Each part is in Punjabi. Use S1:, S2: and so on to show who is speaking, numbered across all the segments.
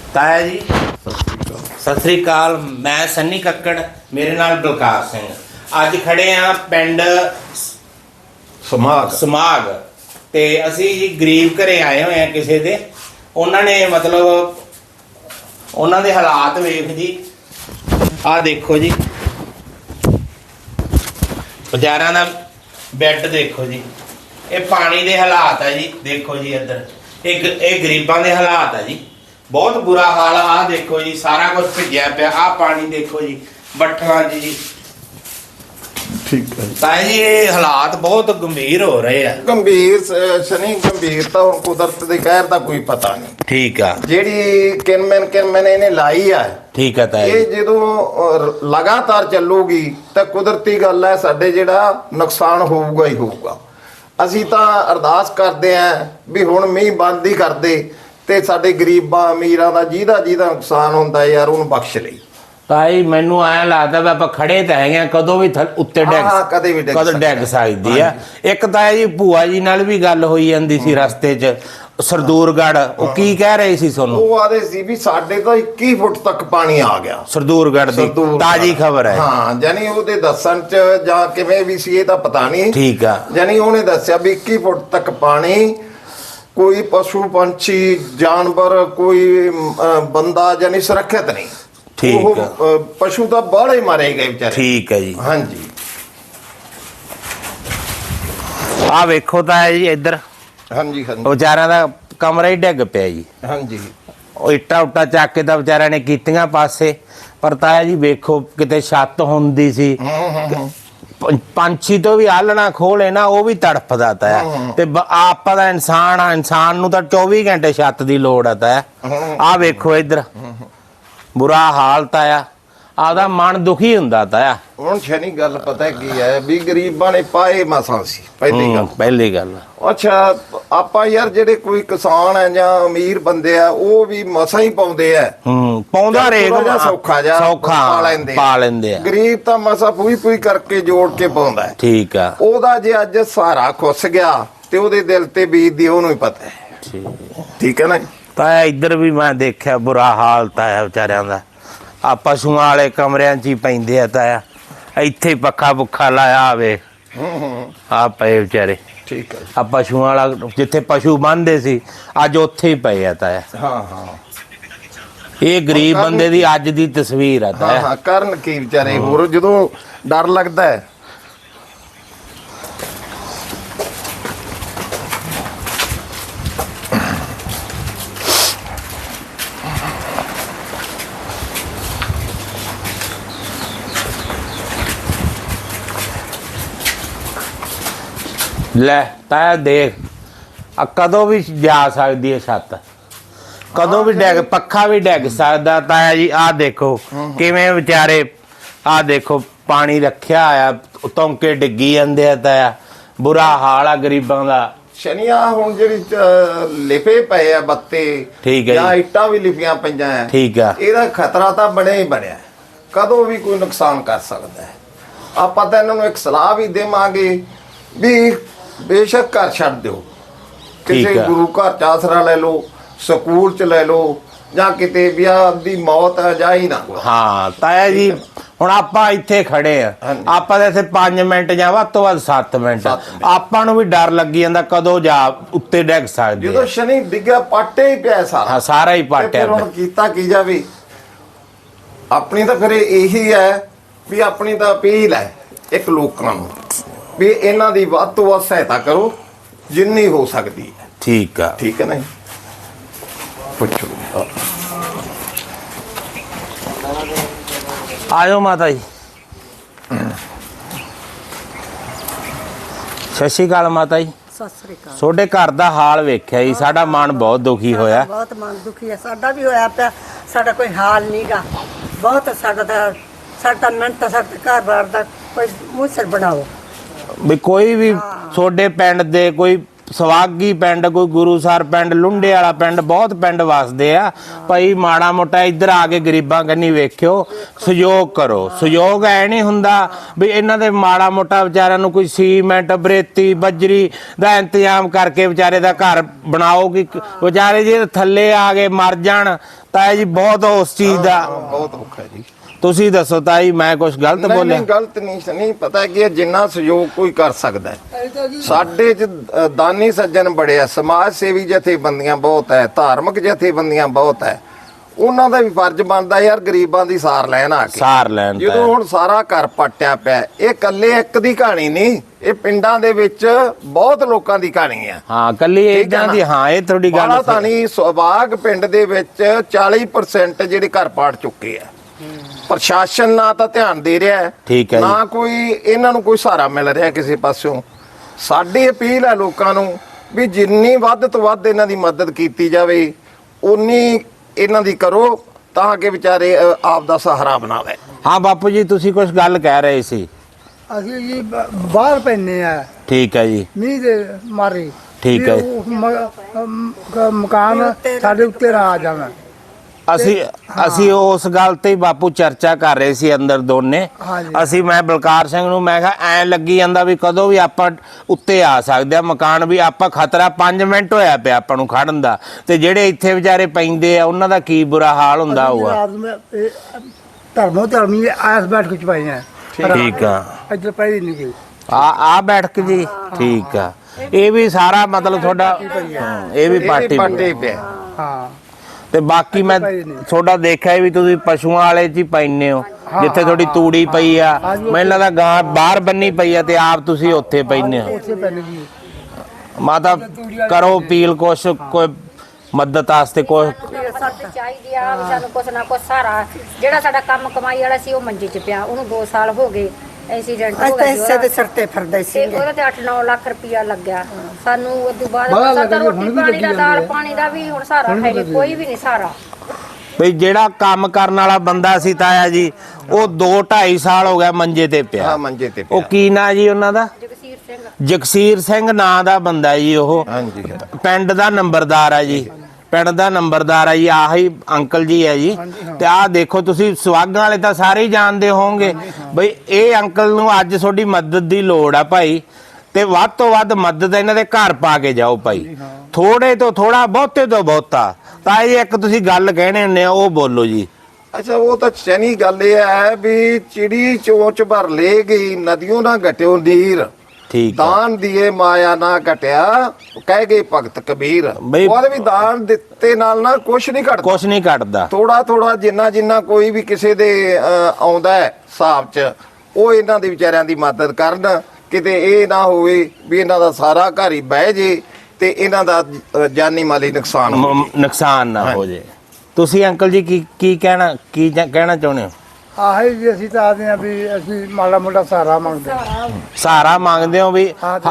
S1: ਤਾਇਆ ਜੀ ਸਤਿ ਸ੍ਰੀ ਅਕਾਲ। ਮੈਂ ਸੰਨੀ ਕੱਕੜ, ਮੇਰੇ ਨਾਲ ਬਲਕਾਰ ਸਿੰਘ। ਅੱਜ ਖੜੇ ਆ ਪਿੰਡ ਸਮਾਗ ਤੇ ਅਸੀਂ ਜੀ ਗਰੀਬ ਘਰੇ ਆਏ ਹੋਏ ਆ ਕਿਸੇ ਦੇ। ਉਹਨਾਂ ਨੇ ਮਤਲਬ ਉਹਨਾਂ ਦੇ ਹਾਲਾਤ ਵੇਖ ਜੀ, ਆਹ ਦੇਖੋ ਜੀ, ਵਿਚਾਰਿਆਂ ਦਾ ਬੈੱਡ ਦੇਖੋ ਜੀ, ਇਹ ਪਾਣੀ ਦੇ ਹਾਲਾਤ ਆ ਜੀ। ਦੇਖੋ ਜੀ ਇੱਧਰ ਇਹ ਗਰੀਬਾਂ ਦੇ ਹਾਲਾਤ ਆ ਜੀ, ਬਹੁਤ ਬੁਰਾ ਹਾਲ ਆ। ਆਹ ਦੇਖੋ ਜੀ, ਸਾਰਾ ਕੁਝ ਭਿੱਜਿਆ ਪਿਆ। ਆਹ ਪਾਣੀ ਦੇਖੋ ਜੀ, ਬੱਠਲਾਂ ਜੀ।
S2: ਠੀਕ ਹੈ
S1: ਤਾਂ ਜੀ ਇਹ ਹਾਲਾਤ ਬਹੁਤ ਗੰਭੀਰ ਹੋ ਰਹੇ ਆ।
S2: ਗੰਭੀਰ ਸ਼ਨੀ ਗੰਭੀਰ ਤਾਂ ਹੁਣ ਕੁਦਰਤ ਦੇ ਕਹਿਰ ਦਾ ਕੋਈ ਪਤਾ ਨਹੀਂ।
S1: ਠੀਕ ਆ।
S2: ਜਿਹੜੀ ਕਿਨਮਨ ਇਹਨੇ ਲਾਈ ਆ,
S1: ਠੀਕ ਆ ਤਾਇਆ
S2: ਇਹ ਜਦੋਂ ਲਗਾਤਾਰ ਚੱਲੂਗੀ ਤਾਂ ਕੁਦਰਤੀ ਗੱਲ ਹੈ, ਸਾਡੇ ਜਿਹੜਾ ਨੁਕਸਾਨ ਹੋਊਗਾ ਹੀ ਹੋਊਗਾ। ਅਸੀਂ ਤਾਂ ਅਰਦਾਸ ਕਰਦੇ ਆਂ ਵੀ ਹੁਣ ਮੀਂਹ ਬੰਦ ਹੀ ਕਰਦੇ ਤੇ ਸਾਡੇ ਗਰੀਬਾਂ ਅਮੀਰਾਂ ਦਾ ਜਿਹਦਾ ਨੁਕਸਾਨ ਹੁੰਦਾ ਯਾਰ ਉਹਨੂੰ ਬਖਸ਼ ਲਈ।
S1: ਤਾਈ ਮੈਨੂੰ ਐਂ ਲੱਗਦਾ ਵੀ ਆਪਾਂ ਖੜੇ ਤਾਂ ਹੈਗੇ ਆ, ਕਦੋਂ ਵੀ ਉੱਤੇ
S2: ਕਦੇ ਵੀ
S1: ਡਿੱਗ ਸਕਦੀ ਆ। ਇੱਕ ਤਾਂ ਜੀ ਭੂਆ ਜੀ ਨਾਲ ਵੀ ਗੱਲ ਹੋਈ ਜਾਂਦੀ ਸੀ ਰਸਤੇ 'ਚ, ਸਰਦੂਰਗੜ੍ਹ। ਉਹ ਕੀ ਕਹਿ ਰਹੇ ਸੀ ਤੁਹਾਨੂੰ?
S2: ਉਹ ਆਦੇ ਸੀ ਵੀ ਸਾਡੇ ਤਾਂ 21 ਫੁੱਟ ਤੱਕ ਪਾਣੀ ਆ ਗਿਆ
S1: ਸਰਦੂਰਗੜ੍ਹ ਦੀ ਤਾਜ਼ੀ ਖਬਰ ਹੈ।
S2: ਹਾਂ, ਜਾਨੀ ਉਹਦੇ ਦੱਸਣ 'ਚ ਜਾਂ ਕਿਵੇਂ ਵੀ ਸੀ ਇਹ ਤਾਂ ਪਤਾ ਨਹੀਂ। ਠੀਕ ਆ। ਜਾਨੀ ਉਹਨੇ ਦੱਸਿਆ ਵੀ 21 ਫੁੱਟ ਤੱਕ ਪਾਣੀ, ਕੋਈ ਪਸ਼ੂ ਪੰਛੀ ਜਾਨਵਰ ਕੋਈ ਬੰਦਾ ਜਾਨੀ ਸੁਰੱਖਿਅਤ ਨਹੀਂ।
S1: ਠੀਕ ਆ।
S2: ਪਸ਼ੂ ਤਾਂ ਬਾਹਲੇ ਮਾਰੇ ਗਏ ਵਿਚਾਰੇ।
S1: ਠੀਕ ਹੈ ਜੀ।
S2: ਹਾਂਜੀ,
S1: ਆਹ ਵੇਖੋ ਤਾਂ ਜੀ ਇੱਧਰ।
S2: ਹਾਂਜੀ
S1: ਵਿਚਾਰਿਆਂ ਦਾ ਕਮਰਾ ਹੀ ਡਿੱਗ ਪਿਆ ਜੀ।
S2: ਹਾਂਜੀ,
S1: ਉਹ ਇੱਟਾਂ ਉੱਟਾਂ ਚੱਕ ਕੇ ਤਾਂ ਵਿਚਾਰਿਆਂ ਨੇ ਕੀਤੀਆਂ ਪਾਸੇ, ਪਰ ਤਾਇਆ ਜੀ ਵੇਖੋ ਕਿਤੇ ਛੱਤ ਹੁੰਦੀ ਸੀ, ਪੰਛੀ ਤੋਂ ਵੀ ਆਲਣਾ ਖੋਲੇ ਨਾ ਉਹ ਵੀ ਤੜਫਦਾ ਤਾ। ਤੇ ਆਪਾਂ ਦਾ ਇਨਸਾਨ ਆ, ਇਨਸਾਨ ਨੂੰ ਤਾਂ 24 ਘੰਟੇ ਛੱਤ ਦੀ ਲੋੜ ਆ ਤਾ। ਆਹ ਵੇਖੋ ਇੱਧਰ ਬੁਰਾ ਹਾਲਤ ਆ। ਆਪਦਾ ਮਨ ਦੁਖੀ ਹੁੰਦਾ ਤਾ।
S2: ਹੁਣ ਸ਼ਨੀ ਗੱਲ ਪਤਾ ਕੀ ਹੈ ਵੀ ਗਰੀਬਾਂ ਨੇ ਪਾਏ ਮਸਾਂ ਸੀ
S1: ਪਹਿਲੀ ਗੱਲ।
S2: ਅੱਛਾ, ਆਪਾਂ ਯਾਰ ਜਿਹੜੇ ਕੋਈ ਕਿਸਾਨ ਹੈ ਜਾਂ ਅਮੀਰ ਬੰਦੇ ਆ ਉਹ ਵੀ ਮਸਾਂ ਹੀ ਪਾਉਂਦੇ ਆ।
S1: ਪਾਉਂਦਾ ਰੇਗ
S2: ਸੌਖਾ ਪਾ ਲੈਂਦੇ ਆ। ਗਰੀਬ ਤਾਂ ਮਸਾ ਪੂਈ ਕਰਕੇ ਜੋੜ ਕੇ ਪਾਉਂਦਾ।
S1: ਠੀਕ ਆ।
S2: ਉਹਦਾ ਜੇ ਅੱਜ ਸਹਾਰਾ ਖੁੱਸ ਗਿਆ ਤੇ ਉਹਦੇ ਦਿਲ ਤੇ ਬੀਤਦੀ ਉਹਨੂੰ ਹੀ ਪਤਾ ਹੈ। ਠੀਕ ਹੈ ਨਾ।
S1: ਤਾਂ ਇੱਧਰ ਵੀ ਮੈਂ ਦੇਖਿਆ ਬੁਰਾ ਹਾਲਤ ਆ ਵਿਚਾਰਿਆਂ ਦਾ। ਆ ਪਸ਼ੂਆਂ ਵਾਲੇ ਕਮਰਿਆਂ 'ਚ ਹੀ ਪੈਂਦੇ ਆ ਤਾਇਆ। ਇੱਥੇ ਪੱਖਾ ਪੁੱਖਾ ਲਾਇਆ ਆਵੇ, ਆ ਪਏ ਵਿਚਾਰੇ।
S2: ਠੀਕ ਹੈ।
S1: ਆ ਪਸ਼ੂਆਂ ਵਾਲਾ ਜਿੱਥੇ ਪਸ਼ੂ ਬੰਨ੍ਹਦੇ ਸੀ ਅੱਜ ਉੱਥੇ ਹੀ ਪਏ ਆ ਤਾਇਆ।
S2: ਹਾਂ,
S1: ਇਹ ਗਰੀਬ ਬੰਦੇ ਦੀ ਅੱਜ ਦੀ ਤਸਵੀਰ ਆ ਤਾਇਆ।
S2: ਹਾਂ, ਕਰਨ ਕੀ ਵਿਚਾਰੇ। ਹੋਰ ਜਦੋਂ ਡਰ ਲੱਗਦਾ ਹੈ।
S1: ਲੈ ਤਾਇਆ ਦੇਖ, ਆ ਕਦੋਂ ਵੀ ਜਾ ਸਕਦੀ ਹੈ ਛੱਤ, ਕਦੋਂ ਵੀ ਡਿੱਗ, ਪੱਖਾ ਵੀ ਡਿੱਗ ਸਕਦਾ ਤਾਇਆ ਜੀ। ਆਹ ਦੇਖੋ ਕਿਵੇਂ ਵਿਚਾਰੇ, ਆਹ ਦੇਖੋ ਪਾਣੀ ਰੱਖਿਆ ਆ, ਤੌਂਕੇ ਡਿੱਗੀ ਜਾਂਦੇ ਆ ਤਾਇਆ। ਬੁਰਾ ਹਾਲ ਆ ਗਰੀਬਾਂ ਦਾ।
S2: ਸ਼ਨੀਆ ਹੁਣ ਜਿਹੜੀ ਲਿਪੇ ਪਏ ਆ ਬੱਤੇ,
S1: ਠੀਕ ਹੈ,
S2: ਜਾਂ ਇੱਟਾਂ ਵੀ ਲਿਪੀਆਂ ਪਈਆਂ ਆ।
S1: ਠੀਕ ਆ।
S2: ਇਹਦਾ ਖਤਰਾ ਤਾਂ ਬਣਿਆ ਹੀ ਬਣਿਆ, ਕਦੋਂ ਵੀ ਕੋਈ ਨੁਕਸਾਨ ਕਰ ਸਕਦਾ ਹੈ। ਆਪਾਂ ਤਾਂ ਇਹਨਾਂ ਨੂੰ ਇੱਕ ਸਲਾਹ ਵੀ ਦੇਵਾਂਗੇ ਵੀ ਬੇਸ਼ੱਕ ਘਰ ਛੱਡ ਦਿਓ, ਕਿਸੇ ਗੁਰੂ ਘਰ ਚ ਆਸਰਾ ਲੈ ਲਓ, ਸਕੂਲ ਚ ਲੈ ਲਓ, ਜਾਂ ਕਿਤੇ ਵਿਆਹ ਦੀ ਮੌਤ ਜਾ ਹੀ ਨਾ।
S1: ਹਾਂ ਤਾਇਆ ਜੀ, ਹੁਣ ਆਪਾਂ ਇੱਥੇ ਖੜੇ ਆ, ਆਪਾਂ ਦੇ ਇੱਥੇ 5 ਮਿੰਟ ਜਾਂ ਵੱਧ ਤੋਂ ਵੱਧ 7 ਮਿੰਟ ਆਪਾਂ ਨੂੰ ਵੀ ਡਰ ਲੱਗੀ ਜਾਂਦਾ ਕਦੋਂ ਜਾ ਉੱਤੇ ਡਿੱਗ ਸਕਦੇ।
S2: ਜਦੋਂ ਸ਼ਨੀ ਡਿੱਗਿਆ ਪਾਟੇ ਹੀ ਪਿਆ ਸਾਰਾ।
S1: ਹਾਂ, ਸਾਰਾ ਹੀ ਪਾਟਿਆ।
S2: ਹੁਣ ਕੀਤਾ ਕੀ ਜਾਵੇ। ਆਪਣੀ ਤਾਂ ਫਿਰ ਇਹੀ ਹੈ ਵੀ ਆਪਣੀ ਤਾਂ ਅਪੀਲ ਹੈ ਇੱਕ ਲੋਕਾਂ ਨੂੰ ਵੀ ਇਹਨਾਂ ਦੀ ਵੱਧ ਤੋਂ ਵੱਧ ਸਹਾਇਤਾ ਕਰੋ ਜਿੰਨੀ ਹੋ ਸਕਦੀ ਹੈ।
S1: ਠੀਕ ਆ।
S2: ਠੀਕ ਹੈ ਨਾ। ਪੁੱਛੋ।
S1: ਆਇਓ ਮਾਤਾ ਜੀ। ਸਤਿ ਸ਼੍ਰੀ ਅਕਾਲ ਮਾਤਾ ਜੀ।
S3: ਸਤਿ ਸ੍ਰੀ ਅਕਾਲ।
S1: ਤੁਹਾਡੇ ਘਰ ਦਾ ਹਾਲ ਵੇਖਿਆ ਜੀ, ਸਾਡਾ ਮਨ ਬਹੁਤ ਦੁਖੀ ਹੋਇਆ।
S3: ਬਹੁਤ ਮਨ ਦੁਖੀ ਹੈ, ਸਾਡਾ ਵੀ ਹੋਇਆ ਪਿਆ। ਸਾਡਾ ਕੋਈ ਹਾਲ ਨਹੀਂਗਾ, ਬਹੁਤ ਸਾਡਾ ਮਿਹਨਤ, ਸਾਡਾ ਘਰ ਬਾਰ ਦਾ ਕੋਈ ਮੁਸਰ ਬਣਾਓ
S1: ਵੀ ਕੋਈ ਵੀ ਤੁਹਾਡੇ ਪਿੰਡ ਦੇ ਕੋਈ ਸਵਾਗੀ ਪਿੰਡ, ਕੋਈ ਗੁਰੂਸਰ ਪਿੰਡ, ਲੁੰਡੇ ਵਾਲਾ ਪਿੰਡ, ਬਹੁਤ ਪਿੰਡ ਵਸਦੇ ਆ ਭਾਈ। ਮਾੜਾ ਮੋਟਾ ਇੱਧਰ ਆ ਕੇ ਗਰੀਬਾਂ ਕੰਨੀ ਵੇਖਿਓ, ਸਹਿਯੋਗ ਕਰੋ। ਸਹਿਯੋਗ ਐ ਨਹੀਂ ਹੁੰਦਾ ਵੀ ਇਹਨਾਂ ਦੇ ਮਾੜਾ ਮੋਟਾ ਵਿਚਾਰਿਆਂ ਨੂੰ ਕੋਈ ਸੀਮੈਂਟ, ਬਰੇਤੀ, ਬਜਰੀ ਦਾ ਇੰਤਜ਼ਾਮ ਕਰਕੇ ਵਿਚਾਰੇ ਦਾ ਘਰ ਬਣਾਓ ਕਿ ਵਿਚਾਰੇ ਜੇ ਥੱਲੇ ਆ ਕੇ ਮਰ ਜਾਣ ਤਾਂ ਜੀ ਬਹੁਤ ਉਸ ਚੀਜ਼ ਦਾ
S2: ਬਹੁਤ ਔਖਾ ਜੀ।
S1: ਤੁਸੀਂ ਦੱਸੋ ਤਾਈ, ਮੈਂ ਕੁਝ ਗਲਤ ਬੋਲਿਆ?
S2: ਨਹੀਂ ਗਲਤ ਨਹੀਂ ਪਤਾ ਕਿ ਜਿੰਨਾ ਸਹਿਯੋਗ ਕੋਈ ਕਰ ਸਕਦਾ ਹੈ। ਸਾਡੇ ਚ ਦਾਨੀ ਸੱਜਣ ਬੜੇ ਆ, ਸਮਾਜ ਸੇਵੀ ਜਥੇਬੰਦੀਆਂ ਬਹੁਤ ਹੈ, ਧਾਰਮਿਕ ਜਥੇਬੰਦੀਆਂ ਬਹੁਤ ਹੈ। ਉਹਨਾਂ ਦਾ ਵੀ ਫਰਜ਼ ਬਣਦਾ ਯਾਰ ਗਰੀਬਾਂ ਦੀ ਸਾਰ ਲੈਣ ਆ ਕੇ।
S1: ਸਾਰ ਲੈਣ ਤਾਂ
S2: ਜਦੋਂ ਹੁਣ ਸਾਰਾ ਘਰ ਪੱਟਿਆ ਪਿਆ, ਇਹ ਇਕੱਲੇ ਇੱਕ ਦੀ ਕਹਾਣੀ ਨਹੀਂ, ਇਹ ਪਿੰਡਾਂ ਦੇ ਵਿੱਚ ਬਹੁਤ ਲੋਕਾਂ ਦੀ ਕਹਾਣੀ ਆ।
S1: ਹਾਂ, ਕੱਲੀ ਇਦਾਂ ਦੀ। ਹਾਂ, ਇਹ ਤੁਹਾਡੀ ਗੱਲ
S2: ਬਾਲਾ ਤਾਂ ਨਹੀਂ, ਸੁਭਾਗ ਪਿੰਡ ਦੇ ਵਿੱਚ 40% ਜਿਹੜੇ ਘਰ ਪਾੜ ਚੁੱਕੇ ਆ। ਪ੍ਰਸ਼ਾਸਨ ਨਾ ਤਾਂ ਧਿਆਨ ਦੇ ਰਿਹਾ ਹੈ,
S1: ਠੀਕ ਹੈ ਜੀ।
S2: ਨਾ ਕੋਈ ਇਹਨਾਂ ਨੂੰ ਕੋਈ ਸਹਾਰਾ ਮਿਲ ਰਿਹਾ ਕਿਸੇ ਪਾਸਿਓਂ। ਸਾਡੀ ਅਪੀਲ ਹੈ ਲੋਕਾਂ ਨੂੰ ਵੀ ਜਿੰਨੀ ਵੱਧ ਤੋਂ ਵੱਧ ਇਹਨਾਂ ਦੀ ਮਦਦ ਕੀਤੀ ਜਾਵੇ, ਉਨੀ ਇਹਨਾਂ ਦੀ ਕਰੋ ਤਾਂ ਕਿ ਵਿਚਾਰੇ ਆਪ ਦਾ ਸਹਾਰਾ ਬਣਾਵੇ।
S1: ਹਾਂ ਬਾਪੂ ਜੀ, ਤੁਸੀਂ ਕੁਝ ਗੱਲ ਕਹਿ ਰਹੇ ਸੀ।
S4: ਅਸੀਂ ਜੀ ਬਾਹਰ ਪੈਨੇ ਆ,
S1: ਠੀਕ ਹੈ ਜੀ,
S4: ਮੀਂਹ ਦੇ ਮਾਰੇ।
S1: ਠੀਕ ਹੈ।
S4: ਵੀ ਉਹ ਮਕਾਨ ਸਾਡੇ ਉੱਤੇ ਨਾ ਆ ਜਾਣਾ।
S1: ਅਸੀਂ ਉਸ ਗੱਲ ਤੇ ਹੀ ਬਾਪੂ ਚਰਚਾ ਕਰ ਰਹੇ ਸੀ ਅੰਦਰ ਦੋਨੇ।
S4: ਹਾਂਜੀ।
S1: ਮੈਂ ਬਲਕਾਰ ਸਿੰਘ ਨੂੰ ਮੈਂ ਕਿਹਾ ਐ ਲੱਗੀ ਜਾਂਦਾ ਵੀ ਕਦੋਂ ਵੀ ਆਪਾਂ ਉੱਤੇ ਆ ਸਕਦੇ ਆ ਮਕਾਨ, ਵੀ ਆਪਾਂ ਖਤਰਾ 5 ਮਿੰਟ ਹੋਇਆ ਪਿਆ ਆਪਾਂ ਨੂੰ ਖੜਨ ਦਾ, ਤੇ ਜਿਹੜੇ ਇੱਥੇ ਵਿਚਾਰੇ ਪੈਂਦੇ ਆ ਉਹਨਾਂ ਦਾ ਕੀ ਬੁਰਾ ਹਾਲ ਹੁੰਦਾ ਹੋਊਗਾ।
S4: ਧਰਮੀ ਆਸ ਬੈਠ ਕੇ ਚਪਾਈ ਹੈ।
S1: ਠੀਕ ਆ,
S4: ਇੱਧਰ ਪਈ ਨਹੀਂ ਗਈ
S1: ਆ ਬੈਠ ਕੇ ਜੀ। ਠੀਕ ਆ, ਇਹ ਵੀ ਸਾਰਾ ਮਤਲਬ ਤੁਹਾਡਾ, ਇਹ ਵੀ ਪਾਰਟੀ
S2: ਪਿਆ।
S4: ਹਾਂ,
S1: ਤੇ ਬਾਕੀ ਮੈਂ ਤੁਹਾਡਾ ਦੇਖਿਆ ਵੀ ਤੁਸੀਂ ਪਸ਼ੂਆਂ ਵਾਲੇ ਚ ਹੀ ਪੈਨੇ ਹੋ, ਜਿੱਥੇ ਤੁਹਾਡੀ ਤੂੜੀ ਪਈ ਆ। ਮੈਨੂੰ ਲੱਗਦਾ ਗਾਂ ਬਾਹਰ ਬੰਨੀ ਪਈ ਆ ਤੇ ਆਪ ਤੁਸੀਂ ਉੱਥੇ ਪੈਨੇ ਹੋ।
S4: ਉੱਥੇ ਪੈਣੀ ਜੀ।
S1: ਮਾਤਾ ਕਰੋ ਅਪੀਲ, ਕੁਛ ਕੋਈ ਮਦਦ ਵਾਸਤੇ ਕੁਛ
S5: ਚਾਹੀਦੀ ਆ ਵੀ ਸਾਨੂੰ ਕੁਛ ਨਾ ਕੁਛ ਸਾਰਾ। ਜਿਹੜਾ ਸਾਡਾ ਕੰਮ ਕਮਾਈ ਵਾਲਾ ਸੀ ਉਹ ਮੰਜੇ 'ਚ ਪਿਆ, ਉਹਨੂੰ 2 ਸਾਲ ਹੋ ਗਏ। ਐਕਸੀਡੈਂਟ ਹੋ ਗਿਆ
S3: ਹਿੱਸੇ ਦੇ ਸਿਰ ਤੇ ਫਿਰਦੇ ਸੀ,
S5: ਤੇ ਉਹਦੇ ਤੇ 8-9 ਲੱਖ ਰੁਪਇਆ ਲੱਗਿਆ ਸਾਨੂੰ। ਉਸ ਤੋਂ ਬਾਅਦ ਸਾਡਾ ਰੋਟੀ ਪਾਣੀ ਦਾ, ਦਾਲ ਪਾਣੀ ਦਾ ਵੀ ਹੁਣ ਸਾਰਾ ਹੈ ਨਹੀਂ, ਕੋਈ ਵੀ ਨਹੀਂ ਸਾਰਾ।
S1: ਬਈ ਜਿਹੜਾ ਕੰਮ ਕਰਨ ਵਾਲਾ ਬੰਦਾ ਸੀ ਤਾਇਆ ਜੀ, ਉਹ 2-2.5 ਸਾਲ ਹੋ ਗਿਆ ਮੰਜੇ ਤੇ ਪਿਆ।
S2: ਹਾਂ, ਮੰਜੇ ਤੇ
S1: ਉਹ ਕੀ ਨਾਂ ਜੀ ਉਹਨਾਂ ਦਾ?
S5: ਜਗਸੀਰ ਸਿੰਘ।
S1: ਜਗਸੀਰ ਸਿੰਘ ਨਾਂ ਦਾ ਬੰਦਾ ਜੀ ਉਹ।
S2: ਹਾਂਜੀ।
S1: ਪਿੰਡ ਦਾ ਨੰਬਰਦਾਰ ਆ ਜੀ, ਪਿੰਡ ਦਾ ਨੰਬਰਦਾਰ ਆ ਜੀ। ਆਹੀ ਅੰਕਲ ਜੀ ਹੈ ਜੀ। ਤੇ ਆਹ ਦੇਖੋ ਤੁਸੀਂ, ਸਵਾਗਾਂ ਵਾਲੇ ਤਾਂ ਸਾਰੇ ਹੀ ਜਾਣਦੇ ਹੋਵੋਗੇ। ਬਈ ਇਹ ਅੰਕਲ ਨੂੰ ਅੱਜ ਤੁਹਾਡੀ ਮਦਦ ਦੀ ਲੋੜ ਆ ਭਾਈ, ਤੇ ਵੱਧ ਤੋਂ ਵੱਧ ਮਦਦ ਇਹਨਾਂ ਦੇ ਘਰ ਪਾ ਕੇ ਜਾਓ ਭਾਈ। ਥੋੜੇ ਤੋਂ ਥੋੜਾ, ਬਹੁਤੇ ਤੋਂ ਬਹੁਤਾ। ਤਾਂ ਇਹ ਇੱਕ ਤੁਸੀਂ ਗੱਲ ਕਹਿਣੇ ਹੁੰਦੇ ਆ, ਉਹ ਬੋਲੋ ਜੀ।
S2: ਅੱਛਾ, ਉਹ ਤਾਂ ਚੈਨੀ ਗੱਲ ਇਹ ਹੈ ਵੀ ਚਿੜੀ ਚੋਂਚ ਭਰ ਲੈ ਗਈ, ਨदियों ਨਾ ਘਟਿਓ ਨੀਰ।
S1: ਠੀਕ ਆ।
S2: ਦਾਨ ਦੀਏ ਮਾਇਆ ਨਾ ਘਟਿਆ, ਕਹਿ ਗਏ ਭਗਤ ਕਬੀਰ। ਉਹਦੇ ਵੀ ਦਾਨ ਦਿੱਤੇ ਨਾਲ ਨਾ ਕੁਛ ਨਹੀਂ ਘਟਦਾ,
S1: ਕੁਛ ਨਹੀਂ ਘਟਦਾ।
S2: ਥੋੜਾ ਥੋੜਾ ਜਿੰਨਾ ਕੋਈ ਵੀ ਕਿਸੇ ਦੇ ਆਉਂਦਾ ਹੈ ਹਿਸਾਬ 'ਚ, ਉਹ ਇਹਨਾਂ ਦੇ ਵਿਚਾਰਿਆਂ ਦੀ ਮਦਦ ਕਰਨ। ਕਿਤੇ ਇਹ ਨਾ ਹੋਵੇ ਵੀ ਇਹਨਾਂ ਦਾ ਸਾਰਾ ਘਰ ਹੀ ਬਹਿ ਜੇ ਤੇ ਇਹਨਾਂ ਦਾ ਜਾਨੀ ਮਾਲੀ ਨੁਕਸਾਨ ਹੋ ਜੇ।
S1: ਨੁਕਸਾਨ ਨਾ ਹੋ ਜੇ। ਤੁਸੀਂ ਅੰਕਲ ਜੀ ਕੀ ਕਹਿਣਾ ਚਾਹੁੰਦੇ ਹੋ?
S4: ਆਹੀ ਜੀ, ਅਸੀਂ ਤਾਂ ਆਦੇ ਆ ਵੀ ਅਸੀਂ ਮਾੜਾ ਮੋਟਾ ਸਹਾਰਾ ਮੰਗਦੇ।
S1: ਸਹਾਰਾ ਮੰਗਦੇ ਹੋ ਵੀ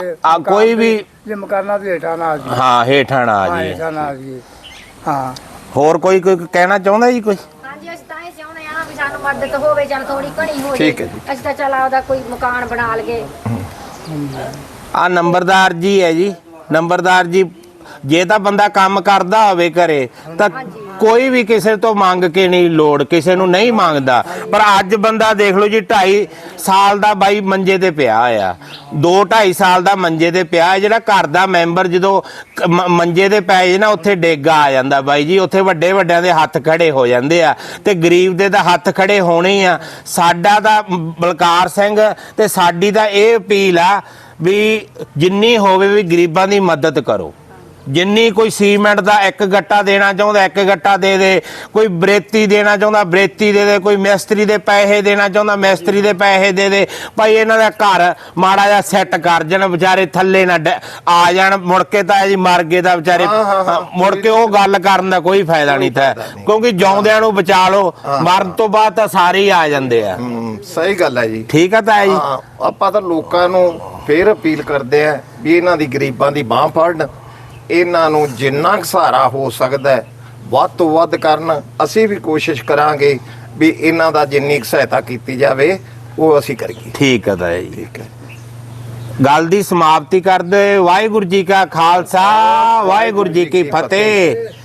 S1: ਕੋਈ ਵੀ
S4: ਜੇ ਮਕਾਨਾਂ ਦੇ ਹੇਠਾਂ ਨਾ ਆ ਜੀ।
S1: ਹਾਂ, ਹੇਠਾਂ ਨਾ ਆ ਜੀ।
S4: ਹੇਠਾਂ ਨਾ ਆ ਜੀ। ਹਾਂ,
S1: ਹੋਰ ਕੋਈ ਕਹਿਣਾ ਚਾਹੁੰਦਾ ਜੀ? ਕੋਈ
S5: ਹਾਂਜੀ, ਅਸੀਂ ਤਾਂ ਇਹ ਚਾਹੁੰਦੇ ਆ ਵੀ ਸਾਨੂੰ ਮਦਦ ਹੋਵੇ, ਚੱਲ ਥੋੜੀ ਘਣੀ ਹੋ
S2: ਠੀਕ ਹੈ
S5: ਜੇ।
S2: ਜੀ।
S5: ਅਸੀਂ ਤਾਂ ਚੱਲ ਆਪਦਾ ਕੋਈ ਮਕਾਨ ਬਣਾ ਲਈਏ।
S1: ਆ ਨੰਬਰਦਾਰ ਜੀ ਹੈ ਜੀ। ਨੰਬਰਦਾਰ ਜੀ, ਜੇ ਤਾਂ ਬੰਦਾ ਕੰਮ ਕਰਦਾ ਹੋਵੇ ਘਰੇ ਤਾਂ ਕੋਈ ਵੀ ਕਿਸੇ ਤੋਂ ਮੰਗ ਕੇ ਨਹੀਂ ਲੋੜ, ਕਿਸੇ ਨੂੰ ਨਹੀਂ ਮੰਗਦਾ। ਪਰ ਅੱਜ ਬੰਦਾ ਦੇਖ ਲਓ ਜੀ, 2.5 ਸਾਲ ਦਾ ਬਾਈ ਮੰਜੇ ਤੇ ਪਿਆ ਆ। 2-2.5 ਸਾਲ ਦਾ ਮੰਜੇ ਤੇ ਪਿਆ। ਜਿਹੜਾ ਘਰ ਦਾ ਮੈਂਬਰ ਜਦੋਂ ਮੰਜੇ ਤੇ ਪੈ ਜੇ ਨਾ, ਉੱਥੇ ਡੇਗਾ ਆ ਜਾਂਦਾ ਬਾਈ ਜੀ। ਉੱਥੇ ਵੱਡਿਆਂ ਦੇ ਹੱਥ ਖੜੇ ਹੋ ਜਾਂਦੇ ਆ, ਤੇ ਗਰੀਬ ਦੇ ਤਾਂ ਹੱਥ ਖੜੇ ਹੋਣੇ ਆ। ਸਾਡਾ ਤਾਂ ਬਲਕਾਰ ਸਿੰਘ ਤੇ ਸਾਡੀ ਤਾਂ ਇਹ ਅਪੀਲ ਆ ਵੀ ਜਿੰਨੀ ਹੋਵੇ ਵੀ ਗਰੀਬਾਂ ਦੀ ਮਦਦ ਕਰੋ। ਜਿੰਨੀ ਕੋਈ ਸੀਮੈਂਟ ਦਾ 1 ਗੱਟਾ ਦੇਣਾ ਚਾਹੁੰਦਾ 1 ਗੱਟਾ ਦੇ ਦੇ, ਕੋਈ ਬਰੇਤੀ ਦੇਣਾ ਚਾਹੁੰਦਾ ਬਰੇਤੀ ਦੇ ਦੇ, ਕੋਈ ਮਿਸਤਰੀ ਦੇ ਪੈਸੇ ਦੇਣਾ ਚਾਹੁੰਦਾ ਮਿਸਤਰੀ ਦੇ ਪੈਸੇ ਦੇ ਦੇ ਭਾਈ। ਇਹਨਾਂ ਦਾ ਘਰ ਮਾੜਾ ਜਿਹਾ ਸੈੱਟ ਕਰ ਜਾਣ, ਵਿਚਾਰੇ ਥੱਲੇ ਨਾ ਆ ਜਾਣ। ਮੁੜ ਕੇ ਤਾਂ ਜੀ ਮਰ ਗਏ ਤਾਂ ਵਿਚਾਰੇ, ਮੁੜ ਕੇ ਉਹ ਗੱਲ ਕਰਨ ਦਾ ਕੋਈ ਫਾਇਦਾ ਨਹੀਂ ਥਾ, ਕਿਉਂਕਿ ਜਿਉਂਦਿਆਂ ਨੂੰ ਬਚਾ ਲਓ, ਮਰਨ ਤੋਂ ਬਾਅਦ ਤਾਂ ਸਾਰੇ ਹੀ ਆ ਜਾਂਦੇ ਆ।
S2: ਸਹੀ ਗੱਲ ਹੈ ਜੀ।
S1: ਠੀਕ ਆ ਤਾਂ ਜੀ।
S2: ਆਪਾਂ ਤਾਂ ਲੋਕਾਂ ਨੂੰ ਫੇਰ ਅਪੀਲ ਕਰਦੇ ਆ ਵੀ ਇਹਨਾਂ ਦੀ ਗਰੀਬਾਂ ਦੀ ਬਾਹ ਫੜਨ, ਇਹਨਾਂ ਨੂੰ ਜਿੰਨਾ ਕੁ ਸਹਾਰਾ ਹੋ ਸਕਦਾ ਹੈ ਵੱਧ ਤੋਂ ਵੱਧ ਕਰਨ। ਅਸੀਂ ਵੀ ਕੋਸ਼ਿਸ਼ ਕਰਾਂਗੇ ਵੀ ਇਹਨਾਂ ਦਾ ਜਿੰਨੀ ਕੁ ਸਹਾਇਤਾ ਕੀਤੀ ਜਾਵੇ ਉਹ ਅਸੀਂ ਕਰੀਏ।
S1: ਠੀਕ ਹੈ ਤਾਂ ਜੀ।
S2: ਠੀਕ ਹੈ।
S1: ਗੱਲ ਦੀ ਸਮਾਪਤੀ ਕਰਦੇ ਹੋਏ ਵਾਹਿਗੁਰੂ ਜੀ ਕਾ ਖਾਲਸਾ ਵਾਹਿਗੁਰੂ ਜੀ ਕੀ ਫਤਿਹ।